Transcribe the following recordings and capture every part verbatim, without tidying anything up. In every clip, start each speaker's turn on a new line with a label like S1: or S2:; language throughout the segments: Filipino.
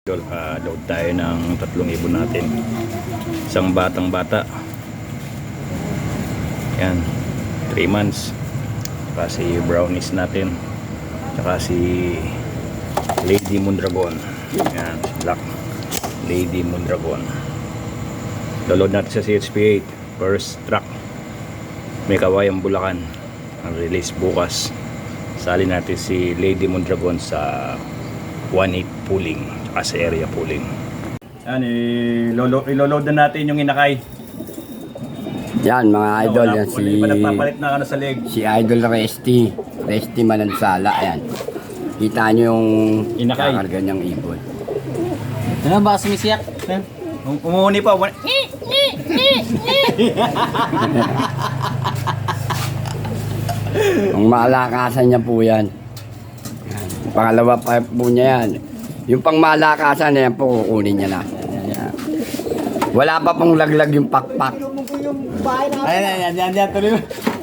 S1: Uh, load tayo ng tatlong ibon natin. Isang batang bata. Yan, three months. Saka si brownies natin. Saka si Lady Mondragon. Yan, black Lady Mondragon. Load natin sa C H P eight. First truck. May Kawayang Bulacan. Ang release bukas. Sali natin si Lady Mondragon sa one eight pooling as area pooling. Yan, iloload na natin yung inakay.
S2: Yan mga idol,
S1: wala,
S2: yan
S1: wala,
S2: si
S1: wala, nagpapalit na ano sa leg.
S2: Si Idol Resty, Resty Manansala, yan. Kita nyo yung
S1: inakay.
S2: Kakarga niyang ibon.
S3: Ano ba sumisiyak?
S1: Um, umuuni pa.
S2: Ang malakasan niya po yan. Yan. Pangalawa pa po niya yan. Yung pang malakasan na yan po, kukunin niya na. Yan. Wala pa pong laglag yung pakpak.
S3: Ayan, ayan, ayan, ayan, tuloy.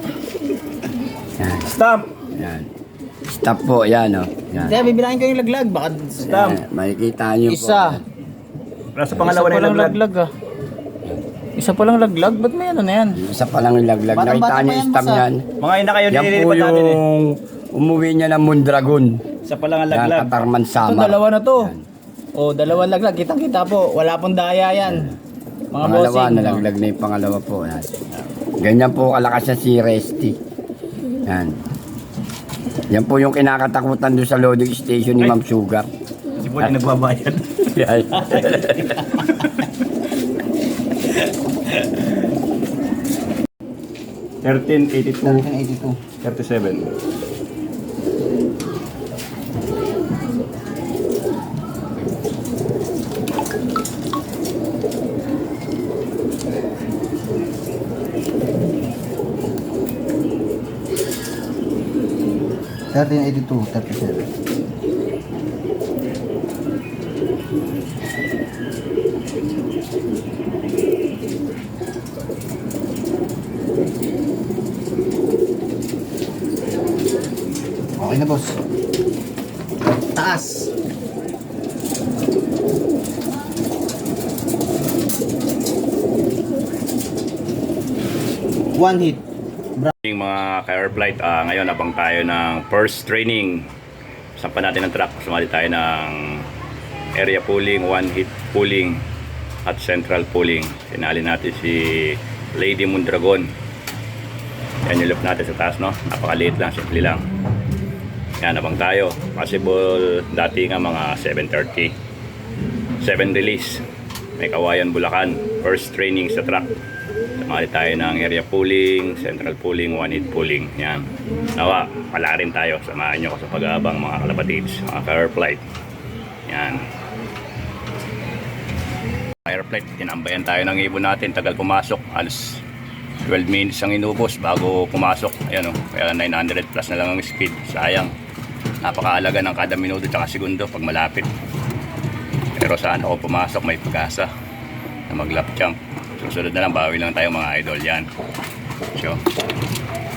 S2: Yan.
S1: Stop!
S2: Yan. Stop po, yan o. Oh. Yan.
S3: Kaya bibilangin ko yung laglag, baka
S1: Stop!
S2: Yan. Makikita niyo po.
S3: isa.
S1: Nasa pangalawa
S3: Isa
S1: na
S3: pa lang
S1: yung laglag.
S3: laglag ah. Isa pa lang laglag, ba't may ano na yan?
S2: Isa pa lang yung laglag.
S3: Batang-bata
S2: Nakita niyo
S3: pa yan,
S2: yung stam
S3: basta.
S2: yan.
S1: Mga inakay yun
S2: Yan po
S1: nililipat natin eh.
S2: yung umuwi niya ng Mondragon.
S1: Isa pa lang ang
S2: Yan,
S1: laglag.
S2: Katarman
S3: Ito,
S2: Samar.
S3: dalawa na to.
S2: Yan.
S3: O, dalawang laglag, kitang-kita po. Wala pong daya yan. Mga
S2: Pangalawa,
S3: bossing.
S2: nalaglag na yung pangalawa po. Yan. Ganyan po kalakas na si Resty. Yan. Yan po yung kinakatakutan doon sa loading station ni
S1: Ay.
S2: Ma'am Sugar.
S1: Si Puli nagbabayad.
S2: Yan.
S1: thirteen eighty-two
S3: eighty-two.
S1: thirty-seven.
S3: thirteen eighty-two, thirty-seven. Okay na, boss. Taas. One hit.
S1: Yung mga ka-air flight, ah, ngayon abang tayo ng first training. Sampan natin ng truck. Sumali tayo ng area pooling, one hit pooling at central pooling. Sinali natin si Lady Mondragon. Yan yung loop natin sa taas, no? Napakaliit lang, simple lang. Yan, abang tayo. Possible dati nga mga seven thirty. seven release. May Kawayan Bulacan. First training sa truck. Sumali tayo ng area pooling, central pooling, one hit pooling. Yan. Nawa, pala rin tayo. Samahan nyo ko sa pag-aabang mga kalapatids, mga ka-air flight. Yan. Air flight, tinambayan tayo ng ibon natin. Tagal pumasok. Alas twelve minutes ang inubos bago pumasok. Ayan o. Kaya nine hundred plus na lang ang speed. Sayang. Napakaalaga ng kada minuto at segundo pag malapit. Pero saan ako pumasok, may pag-asa na mag lap jump. Susunod na lang, bawi lang tayo mga idol yan. So,